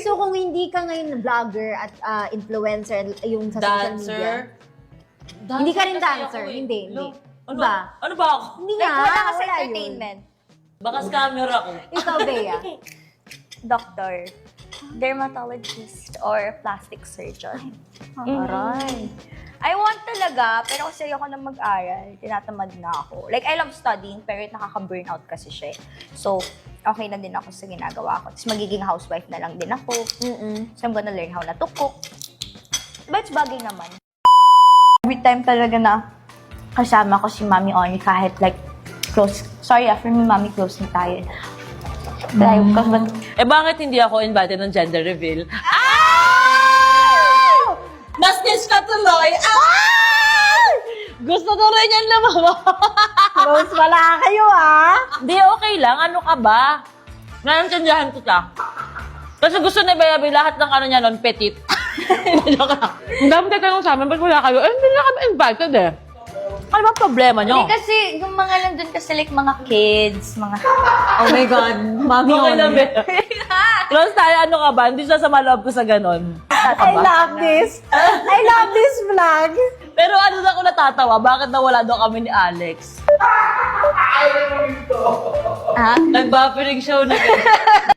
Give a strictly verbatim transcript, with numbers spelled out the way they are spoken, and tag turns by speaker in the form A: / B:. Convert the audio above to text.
A: so kung hindi ka ngayon vlogger at ah, influencer, yung sa social media.
B: Dancer.
A: Hindi ka rin
B: kasi
A: dancer.
B: ako eh.
A: Hindi, hindi.
B: Ano?
A: Ba?
B: Ano ba ako?
A: Hindi
C: Like,
A: nga,
C: wala ka sa
A: wala yun.
C: entertainment.
B: Baka scammer ako.
A: Ikaw, Bea.
C: Doctor. Dermatologist or plastic surgeon.
A: Aray.
C: I want talaga, pero kasi ayoko na mag-aral, tinatamad na ako. Like, I love studying, pero nakaka-burnout kasi siya. eh. So, okay na din ako sa ginagawa ko. Tapos magiging housewife na lang din ako.
A: Mm-mm.
C: So, I'm gonna learn how na to cook. But it's bagay naman. Every time talaga na kasama ko si Mami Oni, kahit like, close. Sorry ah, for me, Mami, close na tayo. Like, because, but,
B: Eh bakit hindi ako invited ng gender reveal? Ah! Nastis ka tuloy! Ah! Gusto ko rin yan lumabas.
A: Close wala kayo, ah.
B: Hindi, okay lang. Ano ka ba? Naiintindihan ko siya. Kasi gusto ni Bayabi lahat ng ano niya nun, petit. Joke lang. Ang dami tayo tanong sa amin, ba't wala kayo? Eh, hindi na kami invited eh. Ano ba problema nyo?
C: hindi kasi, yung mga nandun kasi like mga kids, mga...
A: Oh my God. Mami
B: Okay lang,
A: Oni.
B: Be. Close tayo, ano ka ba? Hindi siya sa maloob ko sa ganon.
A: I love this. I love this vlog.
B: Pero ano na ako natatawa, bakit nawala daw kami ni Alex?
C: Ah?
B: Nag-buffering show na ganyan.